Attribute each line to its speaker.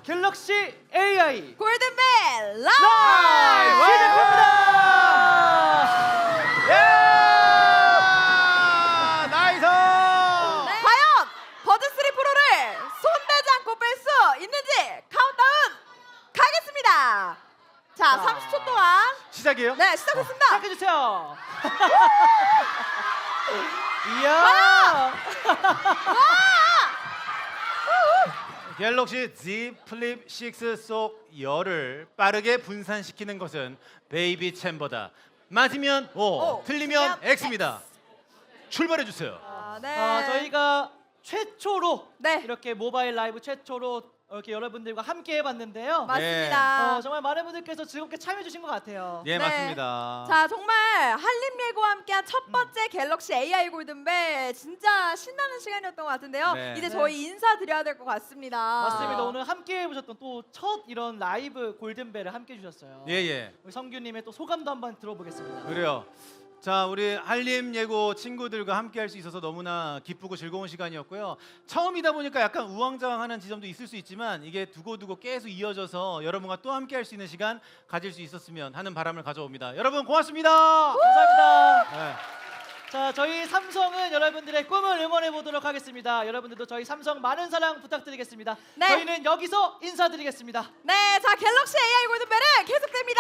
Speaker 1: 갤럭시 AI
Speaker 2: 골든벨 라이브
Speaker 1: 시작합니다.
Speaker 3: 나이스!
Speaker 2: 과연 버드3 프로를 손대지 않고 뺄 수 있는지 카운트다운 가겠습니다. 자, 30초 동안
Speaker 3: 시작이에요?
Speaker 2: 네 시작했습니다.
Speaker 1: 시작해주세요. 이야.
Speaker 3: 갤럭시 Z 플립 6 속 열을 빠르게 분산시키는 것은 베이비 챔버다. 맞으면 O, 틀리면
Speaker 2: 틀리면
Speaker 3: X입니다. 출발해 주세요.
Speaker 2: 네.
Speaker 1: 저희가 최초로
Speaker 2: 네.
Speaker 1: 이렇게 모바일 라이브 최초로 이렇게 여러분들과 함께 해봤는데요.
Speaker 2: 맞습니다.
Speaker 1: 정말 많은 분들께서 즐겁게 참여해주신 것 같아요.
Speaker 3: 예,
Speaker 2: 네.
Speaker 3: 맞습니다.
Speaker 2: 자, 정말 한림예고와 함께한 첫 번째 갤럭시 AI 골든벨 진짜 신나는 시간이었던 것 같은데요.
Speaker 3: 네.
Speaker 2: 이제
Speaker 1: 네.
Speaker 2: 저희 인사드려야 될 것 같습니다.
Speaker 1: 맞습니다. 오늘 함께 해보셨던 또 첫 이런 라이브 골든벨을 함께 해주셨어요.
Speaker 3: 예, 예.
Speaker 1: 우리 성규님의 또 소감도 한번 들어보겠습니다.
Speaker 3: 그래요. 자, 우리 한림 예고 친구들과 함께 할 수 있어서 너무나 기쁘고 즐거운 시간이었고요. 처음이다 보니까 약간 우왕좌왕하는 지점도 있을 수 있지만 이게 두고두고 계속 이어져서 여러분과 또 함께 할 수 있는 시간 가질 수 있었으면 하는 바람을 가져옵니다. 여러분 고맙습니다.
Speaker 1: 감사합니다.
Speaker 3: 네.
Speaker 1: 자, 저희 삼성은 여러분들의 꿈을 응원해 보도록 하겠습니다. 여러분들도 저희 삼성 많은 사랑 부탁드리겠습니다.
Speaker 2: 네.
Speaker 1: 저희는 여기서 인사드리겠습니다.
Speaker 2: 네, 자 갤럭시 AI 골든벨은 계속됩니다.